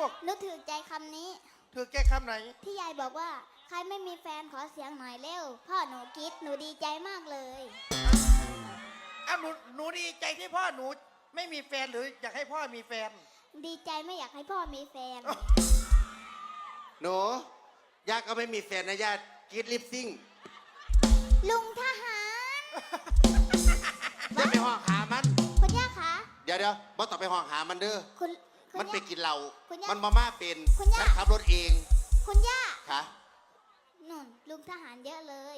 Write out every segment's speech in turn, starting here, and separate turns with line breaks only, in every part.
นึกถึงใจคำนี้
ถือแก้คำไหน
ที่ยายบอกว่าใครไม่มีแฟนขอเสียงหน่อยเร็วพ่อหนูคิดหนูดีใจมากเลย
อ้าวหนูดีใจที่พ่อหนูไม่มีแฟนหรืออยากให้พ่อมีแฟน
ดีใจไม่อยากให้พ่อมีแฟน
หนูย่าก็ไม่มีแฟนนะย่ากิดลิปซิ่ง
ลุงทหาร
อย่าไปห้องหามัน
คุณย่าคะ
เดี๋ยวบ่ต้องไปห้องหามันเด้อมันไปกินเหล้ามันมาเป็นฉันขับรถเอง
คุณย่า
ค่ะ
นุ่นลุงทหารเยอะเลย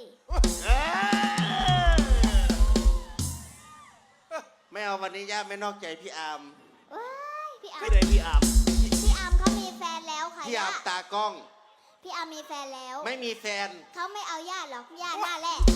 ไม่เอาวันนี้ย่าไม่นอกใจพี่อาร์ม
พี่อาร์ม
ไม่ได้พี่อาร์ม
เขามีแฟนแล้วค่ะ
พี่อาร์มตากล้อง
พี่อาร์มมีแฟนแล้ว
ไม่มีแฟน
เขาไม่เอาย่าหรอกย่าหน้าแรก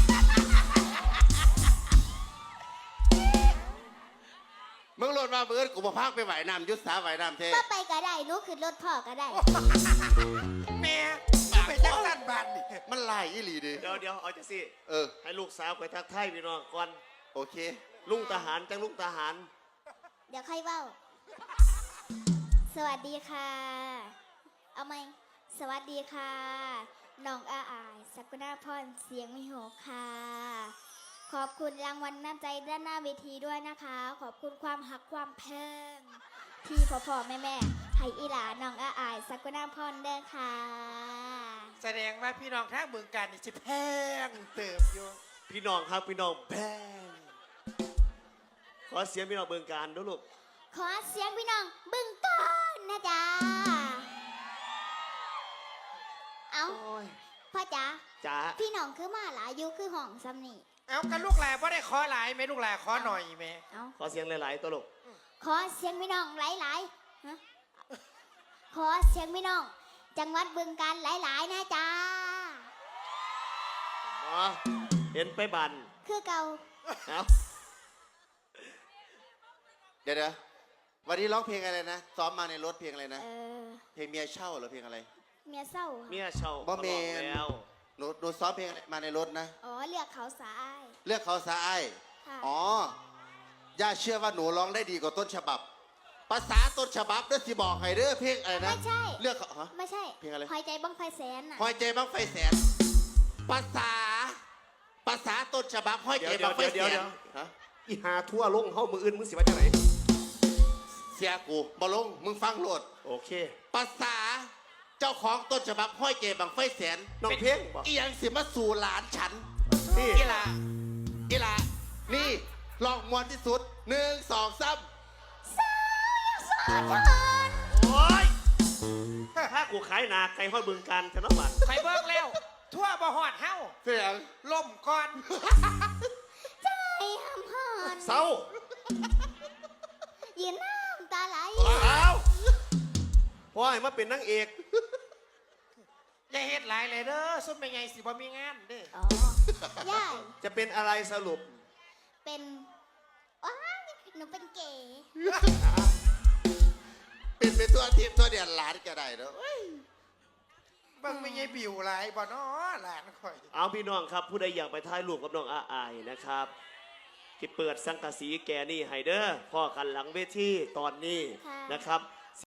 มึงโหลดมาเบิร์ดกูมาพักไปไหวน้ำยุทธสาไหวน้ำเท่
ก็ไปก็ได้นุขึ้นรถพ่อก็ได้
แม่ไปจักสั้นบานนี่
มันลายอีหลีดิ
เดี๋ยวเอาจะสิให้ลูกสาวไปทักทายพี่น้องก่อน
โอเค
ลุงทหารจังลุงทหาร
เดี๋ยวค่อยเว้าสวัสดีค่ะเอาไหมสวัสดีค่ะน้องอาอายสักุณาพรเสียงมิโหค่ะขอบคุณรางวัลน้ำใจด้านหน้าเวทีด้วยนะคะขอบคุณความหักความเพิ่มที่พ่อแม่ให้อีหลาน้องอาอายสักุณาพรเด้อค่ะ
แสดงว่าพี่น้องทางเมืองการนี่จะแพงเติบอยู่
พี่น้องครับพี่น้องแพงขอเสียงพี่น้องเมืองการด้วยลูก
ขอเสียงพี่น้องบึงก้อนนะจ๊ะเอาพ่อจ๋าพี่น้องคือมาหลายอยู่คือห้องซ้ำนี่
เอากันลูกหลานพ่ได้ขอหลายไหมลูกหลานขอหน่อยไหม
ขอเสียงหลายๆตัวลูก
ขอเสียงพี่น้องหลายๆฮะขอเสียงพี่น้องจังหวัดบึงกาฬหลายๆนะจ๊ะ
เห็นไปบัน
คือเก่า
เดี๋ยววันนี้ร้องเพลงอะไรนะซ้อมมาในรถเพลงอะไรนะเพลงเมียเช่าหรือเพลงอะไร
เมียเศร้า
เมียเช่า
บ่เมนหนูซ้อมเพลงอะไรมาในรถนะ
อ๋อเลือกเขาสาย
เลือกเขาสายอ๋อย่าเชื่อว่าหนูร้องได้ดีกว่าต้นฉบับภาษาต้นฉบับเด้อที่บอกให้เด้อเพลงอะไรนะ
ไม่ใช่
เลือกเขา
ไม่ใช่
เพลงอะไร
หอยใจบังไฟแสน
หอยใจบังไฟแสนภาษาต้นฉบับหอยใจบังไฟแสน
อีหาทั่วลงเฮ้ามืออื่นมึงสิว่าจังไหน
เสียกูบอลงมึงฟังโหลด
โอเค
ภาษาเจ้าของต้นฉบับห้อยเจบังไฟแสน
น้องเพ่ง
อีหยังสิมาสู่หลานฉัน
นี่
อีหลานี่ลองมวนที่สุด1 2 3
โอ้ยถ้ากูขายนาไก่ห้อยบึงการชนะบัตร
ใครเบิกแล้วทั่วบ่หอดเฮ้า
เสียง
ล่มก่อน
ใจห้ามหอน
เศร้า
ยืนน้ำตาไหล
พ่อให้มาเป็นนางเอก
อย่าเฮ็ดหลายเลยเด้อซุ่มเป็นไงสิบ่มีงานเด้
อย่า
จะเป็นอะไรสรุป
เป็นว้าหนูเป็นเก๋
เป็นตัวทิพย์ตัวเดียนหลานก็ได้เนาะ
บังไม่ใช่บิวหลายบ่เนาะหลานค่อย
เอาพี่น้องครับผู้ใดอยากไปถ่ายรูปกับน้องอาอายนะครับที่เปิดสังกะสีแกนี่ไฮเดอร์พ่อกันหลังเวทีตอนนี้นะครับ